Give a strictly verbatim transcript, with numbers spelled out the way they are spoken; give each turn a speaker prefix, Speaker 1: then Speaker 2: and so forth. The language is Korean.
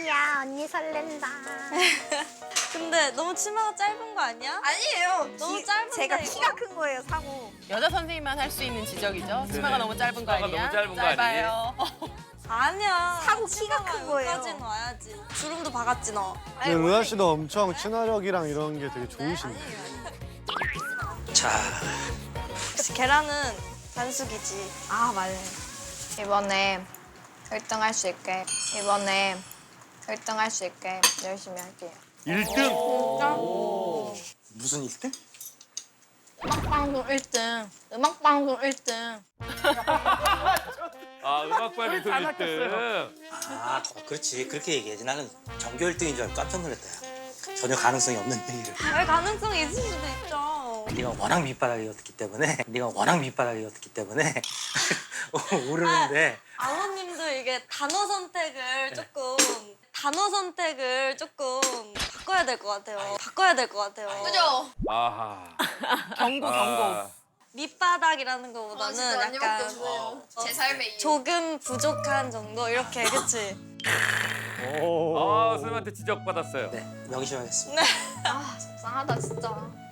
Speaker 1: 웬일이야, 언니 설렌다.
Speaker 2: 근데 너무 치마가 짧은 거 아니야?
Speaker 1: 아니에요.
Speaker 2: 너무
Speaker 1: 키-
Speaker 2: 짧은데,
Speaker 1: 제가
Speaker 2: 이거?
Speaker 1: 키가 큰 거예요, 상우.
Speaker 3: 여자 선생님만 할 수 있는 지적이죠. 치마가
Speaker 4: 네네.
Speaker 3: 너무 짧은 거
Speaker 4: 치마가
Speaker 3: 아니야?
Speaker 4: 너무 짧은 거
Speaker 3: 짧아요.
Speaker 2: 아니야.
Speaker 1: 사고 키가
Speaker 2: 치마가
Speaker 1: 큰 거예요.
Speaker 2: 여기까지는 와야지. 주름도 박았지 너.
Speaker 5: 근데 은하 씨도 엄청 친화력이랑 이런 게 되게 좋으신데.
Speaker 6: 자,
Speaker 2: 그치, 계란은 반숙이지.
Speaker 1: 아, 맞아요. 이번에 일 등 할 수 있게, 이번에 일 등 할 수 있게 열심히 할게요.
Speaker 4: 일 등.
Speaker 6: 무슨 일 등?
Speaker 2: 음악방송 일 등. 음악방송 일 등.
Speaker 4: 아, 음악 발표 일 등.
Speaker 6: 아, 어, 그렇지. 그렇게 얘기해야지. 나는 전교 일 등인 줄 알고 깜짝 놀랐다. 야. 전혀 가능성이 없는 얘기를.
Speaker 2: 왜 가능성이 있을 수도 있죠.
Speaker 6: 네가 워낙 밑바닥이었기 때문에, 네가 워낙 밑바닥이었기 때문에 오르는데.
Speaker 2: 아버님도 이게 단어 선택을 조금 단어 선택을 조금 바꿔야 될 것 같아요. 바꿔야 될 것 같아요.
Speaker 1: 그죠?
Speaker 4: 아하.
Speaker 3: 경고 경고.
Speaker 4: 아,
Speaker 2: 밑바닥이라는 것보다는 약간
Speaker 1: 없어요. 제 삶의 이유.
Speaker 2: 조금 부족한 정도 이렇게 그치?
Speaker 5: 오.
Speaker 4: 아, 선생님한테 지적받았어요.
Speaker 6: 네, 명심하겠습니다.
Speaker 1: 아, 속상하다, 진짜.